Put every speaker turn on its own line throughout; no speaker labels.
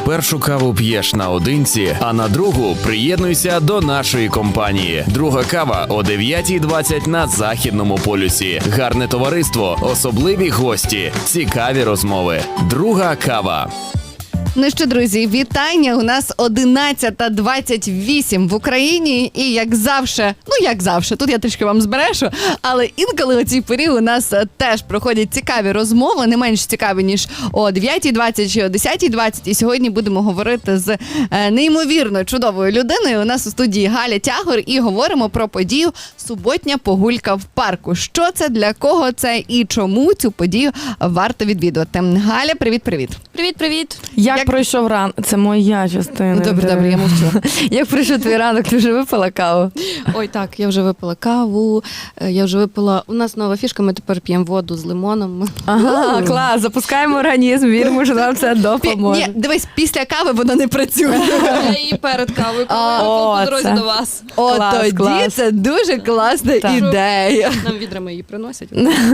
Першу каву п'єш наодинці, а на другу приєднуйся до нашої компанії. Друга кава о 9:20 на Західному полюсі. Гарне товариство, особливі гості, цікаві розмови. Друга кава.
Ну що, друзі, вітання. У нас 11:28 в Україні. І як завжди, тут я трішки вам зберешу, але інколи у цій порі у нас теж проходять цікаві розмови, не менш цікаві, ніж о 9:20 чи о 10:20. І сьогодні будемо говорити з неймовірно чудовою людиною. У нас у студії Галя Тягор і говоримо про подію «Суботня погулька в парку». Що це, для кого це і чому цю подію варто відвідувати. Галя, привіт-привіт.
Привіт-привіт.
Як пройшов ранок? Це моя частина.
Добре, я мовчу.
Як пройшов твій ранок? Ти вже випила каву?
Ой, так, я вже випила каву, у нас нова фішка, ми тепер п'ємо воду з лимоном.
Ага, клас, запускаємо організм, віримо, що нам це допоможе.
Ні, дивись, після кави воно не працює.
Я її перед кавою пила по дорозі до вас.
Тоді це дуже класна ідея.
Нам відрами її приносять.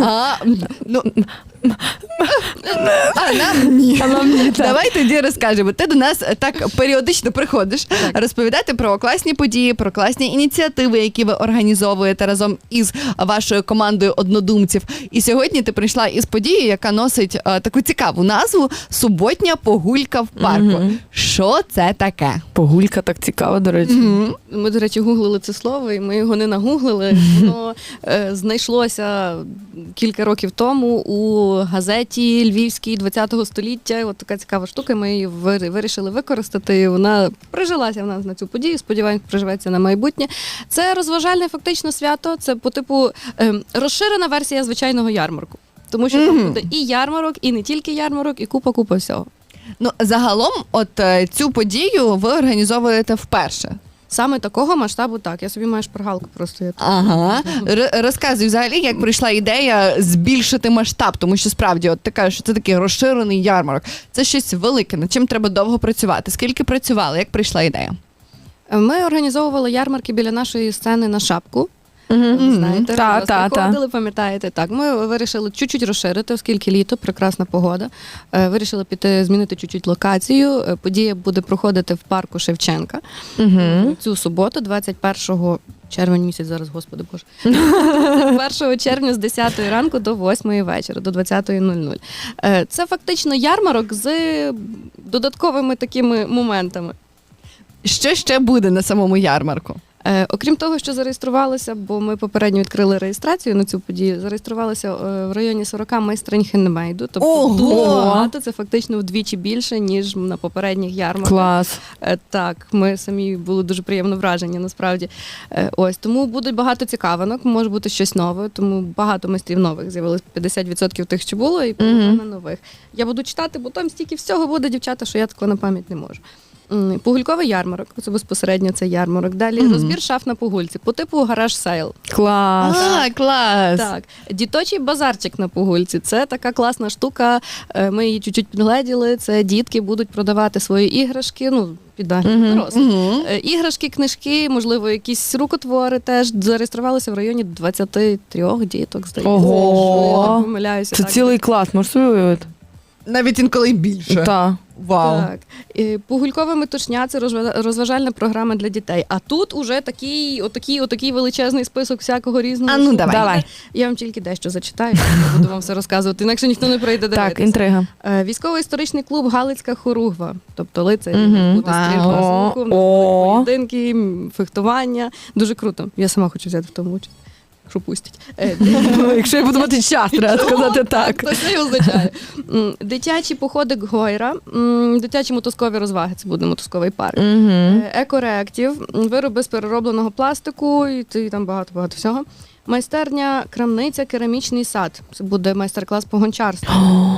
Нам ні. Давай тоді розкажемо. Ти до нас так періодично приходиш розповідати про класні події, про класні ініціативи, які ви організовуєте разом із вашою командою однодумців. І сьогодні ти прийшла із подією, яка носить таку цікаву назву «Суботня погулька в парку». Що це таке?
Погулька так цікаво, до речі.
Ми, до речі, гуглили це слово, і ми його не нагуглили. Воно знайшлося кілька років тому у газеті Львівській 20-го століття. От така цікава штука, ми її вирішили використати. Вона прижилася в нас на цю подію, сподіваємось, приживеться на майбутнє. Це розважальне фактично свято, це по типу розширена версія звичайного ярмарку. Тому що там буде і ярмарок, і не тільки ярмарок, і купа всього.
Ну, загалом, цю подію ви організовуєте вперше.
Саме такого масштабу так. Я собі маю шпаргалку просто.
Ага. Розказуй взагалі, як прийшла ідея збільшити масштаб, тому що справді, ти кажеш, що це такий розширений ярмарок. Це щось велике, над чим треба довго працювати. Скільки працювали, як прийшла ідея?
Ми організовували ярмарки біля нашої сцени на Шапку. Знаєте, приходили, пам'ятаєте. Так, ми вирішили чуть-чуть розширити, оскільки літо, прекрасна погода. Вирішили змінити чуть-чуть локацію. Подія буде проходити в парку Шевченка. Цю суботу, 21 червень місяць зараз, господи боже. 1 червня з 10 ранку до 8 вечора, до 20:00. Це фактично ярмарок з додатковими такими моментами.
Що ще буде на самому ярмарку?
Окрім того, що зареєструвалися, бо ми попередньо відкрили реєстрацію на цю подію, зареєструвалися в районі 40 майстринь хендмейду. Тобто дуже багато, це фактично вдвічі більше, ніж на попередніх ярмарках.
Клас.
Так, ми самі були дуже приємно вражені, насправді. Тому буде багато цікавинок, може бути щось нове, тому багато майстрів нових з'явилось, 50% тих, що було, і половина нових. Я буду читати, бо там стільки всього буде, дівчата, що я такого на пам'ять не можу. Погульковий ярмарок, це безпосередньо цей ярмарок. Далі розбір шаф на погульці, по типу гараж-сейл.
Клас.
Клас.
Так. Діточий базарчик на погульці, це така класна штука, ми її чуть-чуть підгледіли, це дітки будуть продавати свої іграшки, під нагляд дорослих. Іграшки, книжки, можливо, якісь рукотвори теж. Зареєструвалися в районі 23 діток, здається.
Ого!
Я не помиляюся.
Це цілий клас, можеш собі уявити?
Навіть інколи більше.
Так.
Вау.
Так. Погулькова метушня – це розважальна програма для дітей. А тут уже отакий величезний список всякого різного.
Давай.
Я вам тільки дещо зачитаю, я буду вам все розказувати, інакше ніхто не прийде дивитися.
Так, інтрига.
Військово-історичний клуб «Галицька хоругва», тобто лицарі, буде стрільба з луку, поєдинки, фехтування. Дуже круто. Я сама хочу взяти в тому участь. Що пустять.
Якщо я буду мати час, треба сказати так.
То це і означає. Дитячі походи Гойра, дитячі мотузкові розваги, це буде мотузковий парк. Екореактив, вироби з переробленого пластику, і там багато всього. Майстерня, крамниця, керамічний сад. Це буде майстер-клас по гончарству.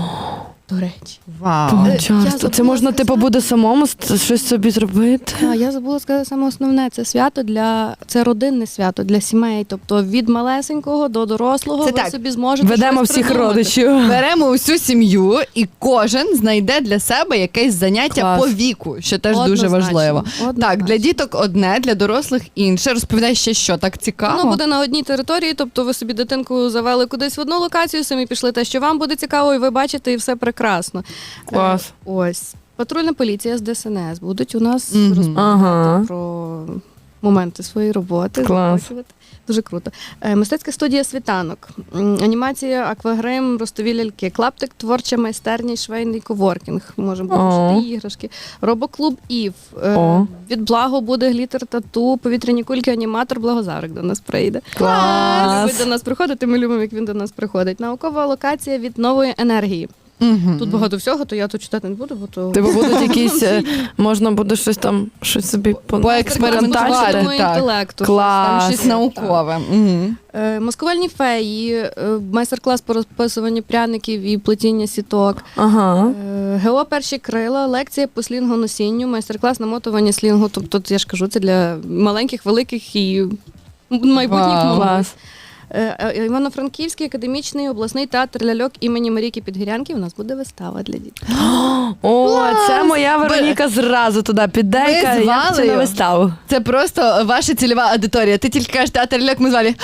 До речі.
Вау.
Це можна, буде самому щось собі зробити?
Я забула сказати саме основне. Це свято це родинне свято для сімей. Тобто від малесенького до дорослого ви собі зможете
ведемо
щось
всіх
придумати.
родичів.
Беремо усю сім'ю і кожен знайде для себе якесь заняття по віку, що теж дуже важливо. Так, для діток одне, для дорослих інше. Розповідай ще що, так цікаво.
Воно буде на одній території, тобто ви собі дитинку завели кудись в одну локацію, самі пішли те, що вам буде цікаво, і ви бачите, і все прекрасно.
Клас.
Ось. Патрульна поліція з ДСНС будуть у нас
Мгм.
розповідати
Ага.
про моменти своєї роботи.
Клас.
запрошувати. Дуже круто. Мистецька студія «Світанок», анімація, аквагрим, ростові ляльки, клаптик, творча майстерня і швейний коворкінг. Можемо
О.
шити іграшки. Робоклуб «Ів».
О.
Від Благо буде глітер тату, повітряні кульки, аніматор Благозарик до нас прийде.
Клас.
Любить до нас приходити, ми любимо, як він до нас приходить. Наукова локація від нової енергії. Тут багато всього, то я тут читати не буду, бо то...
Типу будуть якісь, можна буде щось собі
Поекспериментувати,
штучного
так.
інтелекту.
Клас.
Щось наукове. Мгм.
Маскувальні феї, майстер-клас по розписуванню пряників і плетіння сіток.
Ага.
ГО «Перші крила», лекція по слінгоносінню, майстер-клас намотування слінгу. Тобто, я ж кажу, це для маленьких, великих і майбутніх
Вау.
мам.
Клас.
Івано-Франківський академічний обласний театр ляльок імені Марійки Підгірянки. У нас буде вистава для дітей.
О, це моя Вероніка зразу туди піде
Ви
і каже,
з
я хочу на
Валею?
виставу.
Це просто ваша цільова аудиторія. Ти тільки кажеш театр ляльок, ми звали.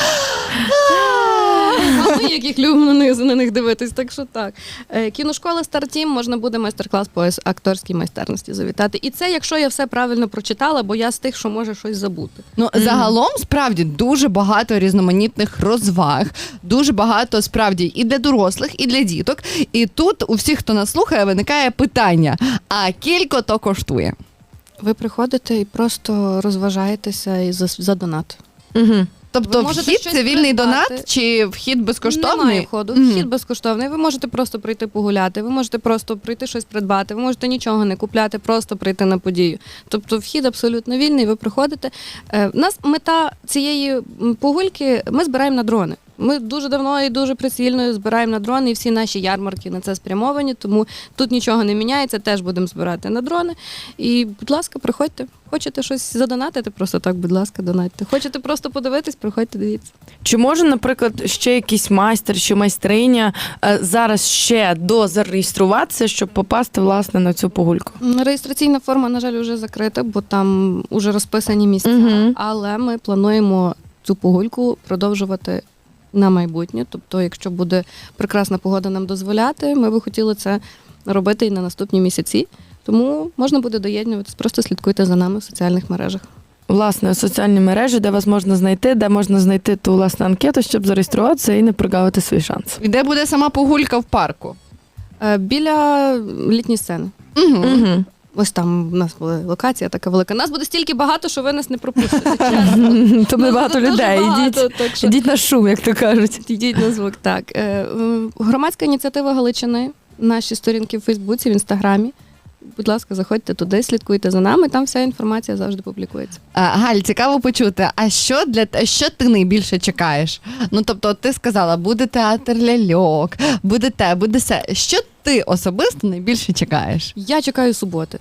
А ми яких любимо на них дивитись, так що так. Кіношкола «Стартім», можна буде майстер-клас по акторській майстерності завітати. І це, якщо я все правильно прочитала, бо я з тих, що може щось забути.
Ну, загалом, справді, дуже багато різноманітних розваг, дуже багато, справді, і для дорослих, і для діток. І тут у всіх, хто нас слухає, виникає питання, а кілько то коштує?
Ви приходите і просто розважаєтеся і за донат.
Угу.
Тобто
Ви можете
вхід
щось
це вільний
придбати.
донат чи вхід безкоштовний?
Немає входу,
Мгм.
вхід безкоштовний. Ви можете просто прийти погуляти, ви можете просто прийти щось придбати, ви можете нічого не купляти, просто прийти на подію. Тобто вхід абсолютно вільний, ви приходите. У нас мета цієї погульки, ми збираємо на дрони. Ми дуже давно і дуже прицільно збираємо на дрони, і всі наші ярмарки на це спрямовані, тому тут нічого не міняється, теж будемо збирати на дрони. І, будь ласка, приходьте. Хочете щось задонатити, просто так, будь ласка, донатьте. Хочете просто подивитись, приходьте, дивіться.
Чи може, наприклад, ще якийсь майстер чи майстриня зараз ще дозареєструватися, щоб попасти, власне, на цю погульку?
Реєстраційна форма, на жаль, вже закрита, бо там вже розписані місця.
Мгм.
Але ми плануємо цю погульку продовжувати на майбутнє. Тобто, якщо буде прекрасна погода нам дозволяти, ми би хотіли це робити і на наступні місяці. Тому можна буде доєднуватись, просто слідкуйте за нами в соціальних мережах.
Власне, соціальні мережі, де вас можна знайти, де можна знайти ту, власне, анкету, щоб зареєструватися і не прогавити свій шанс.
І де буде сама погулька в парку?
Біля літньої сцени.
Угу.
Угу.
Ось там у нас була локація така велика. Нас буде стільки багато, що ви нас не пропустите. чесно.
Тобто
Нас
багато
дуже
людей.
багато, так що
Ідіть на шум, як то кажуть.
Йдіть на звук. Так. Громадська ініціатива Галичини, наші сторінки в Фейсбуці, в Інстаграмі. Будь ласка, заходьте туди, слідкуйте за нами, там вся інформація завжди публікується.
Галь, цікаво почути, а що ти найбільше чекаєш? Ну, тобто, ти сказала, буде театр ляльок, буде те, буде все. Що ти особисто найбільше чекаєш?
Я чекаю суботи.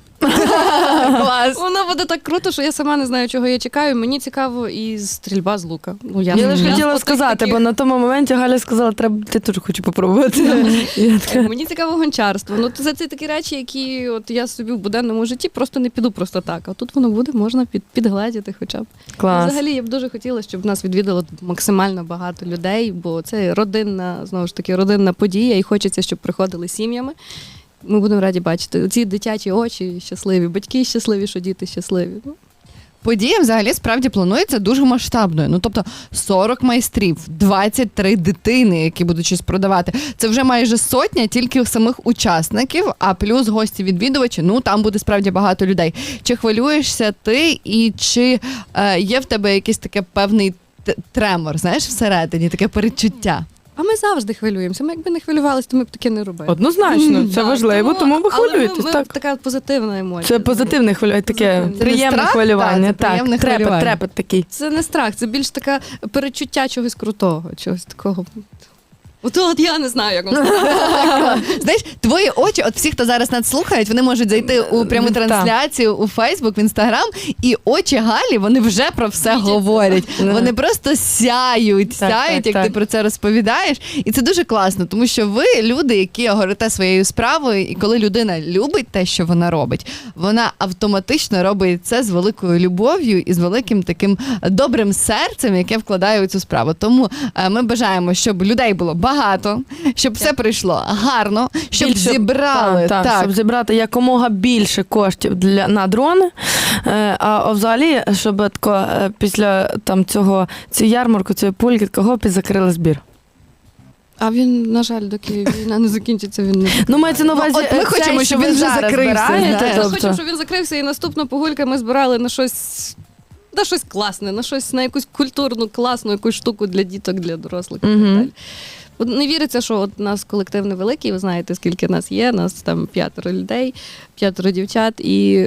Клас!
Воно буде так круто, що я сама не знаю, чого я чекаю. Мені цікаво і стрільба з лука. Ну,
Я лише хотіла
по тих
сказати,
таких-
бо на тому моменті Галя сказала, треба, ти теж хочу попробувати. Я така,
Мені цікаво гончарство. Ну, це такі речі, які от я собі в буденному житті просто не піду просто так. А тут воно буде, можна підгледіти хоча б.
клас.
Взагалі, я б дуже хотіла, щоб нас відвідало максимально багато людей, бо це родинна, знову ж таки, родинна подія, і хочеться, щоб приходили сім'ями. Ми будемо раді бачити ці дитячі очі щасливі, батьки щасливі, що діти щасливі. Ну,
Подія взагалі справді планується дуже масштабною. Ну, тобто 40 майстрів, 23 дитини, які будуть щось продавати. Це вже майже сотня тільки самих учасників, а плюс гості-відвідувачі, ну там буде справді багато людей. Чи хвилюєшся ти і чи є в тебе якийсь таке певний тремор, знаєш, всередині, таке передчуття?
а ми завжди хвилюємося. Ми якби не хвилювалися, то ми б таке не робили.
Однозначно, це
Так,
важливо, тому ви
але
хвилюєтесь.
ми
Так.
така позитивна емоція.
Це позитивне хвилювання, таке
Це не
приємне
страх?
хвилювання.
Так, це приємне хвилювання.
Трепет такий.
Це не страх, це більш таке перечуття чогось крутого, чогось такого. От я не знаю, як вам сказати.
Знаєш, твої очі, от всі, хто зараз нас слухають, вони можуть зайти у пряму
Так.
трансляцію у Фейсбук, в Інстаграм, і очі Галі, вони вже про все говорять. Вони просто сяють, як
так.
ти про це розповідаєш. І це дуже класно, тому що ви люди, які горите своєю справою, і коли людина любить те, що вона робить, вона автоматично робить це з великою любов'ю і з великим таким добрим серцем, яке вкладає у цю справу. Тому ми бажаємо, щоб людей було багато багато, щоб все прийшло гарно, щоб
Більше-
зібрали.
Так, щоб зібрати якомога більше коштів на дрони. А взагалі, щоб тако, після там цієї ярмарку, цієї пульки, такого закрили збір.
А він, на жаль, доки війна не закінчиться, він не
Ну, мається на увазі,
от ми хочемо, щоб він вже закрився, знаєш.
Я
Тобто...
хочу, щоб він закрився, і наступна погулька ми збирали на щось класне, на якусь культурну, класну якусь штуку для діток, для дорослих і так далі. От не віриться, що от нас колектив невеликий, ви знаєте, скільки нас є, нас там 5 людей, 5 дівчат, і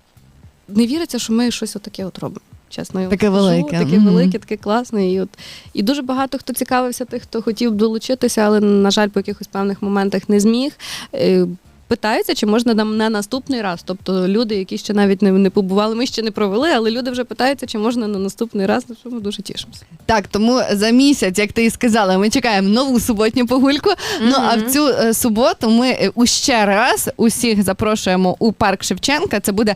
не віриться, що ми щось отаке от робимо. Чесно, я вам
Таке
скажу.
велике.
Таке велике, таке класне. І дуже багато хто цікавився, тих, хто хотів долучитися, але, на жаль, по якихось певних моментах не зміг. Питаються, чи можна нам на наступний раз. Тобто люди, які ще навіть не побували, ми ще не провели, але люди вже питаються, чи можна на наступний раз, на що ми дуже тішимося.
Так, тому за місяць, як ти і сказала, ми чекаємо нову суботню погульку. Ну, а в цю суботу ми ще раз усіх запрошуємо у парк Шевченка. Це буде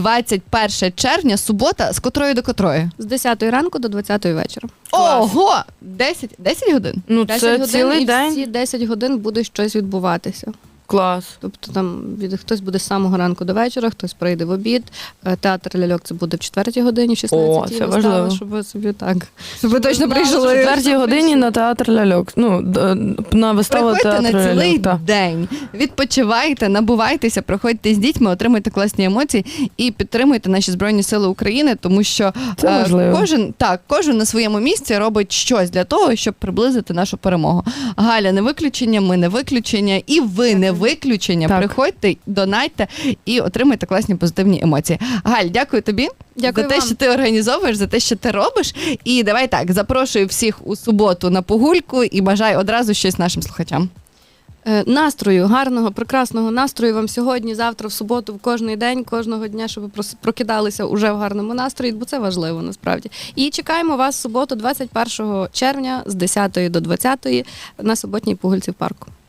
21 червня, субота, з котрої до котрої?
З 10 ранку до 20 вечора.
Ого! 10 годин?
Ну,
10
це
годин,
цілий
і
день.
всі 10 годин буде щось відбуватися.
Клас.
Тобто там хтось буде з самого ранку до вечора, хтось прийде в обід. Театр ляльок це буде в 4 годині, 16-й
О, це важливо.
щоб ви собі так.
Щоб ви точно
знали,
В
прийшли.
четвертій годині на театр ляльок. Ну, на виставу
Приходьте
театру
на цілий
ляльок. так.
день, відпочивайте, набувайтеся, приходьте з дітьми, отримуйте класні емоції і підтримуйте наші Збройні Сили України, тому що
Це важливо.
кожен на своєму місці робить щось для того, щоб приблизити нашу перемогу. Галя не виключення, ми не виключення, і ви не виключення.
Так.
Приходьте, донайте і отримуйте класні позитивні емоції. Галь, дякую тобі
Дякую
за те,
вам.
що ти організовуєш, за те, що ти робиш. І давай так, запрошую всіх у суботу на погульку і бажаю одразу щось нашим слухачам.
Настрою, гарного, прекрасного настрою вам сьогодні, завтра, в суботу, в кожний день, кожного дня, щоб ви прокидалися уже в гарному настрої, бо це важливо насправді. І чекаємо вас в суботу, 21 червня з 10 до 20 на суботній погульці в парку.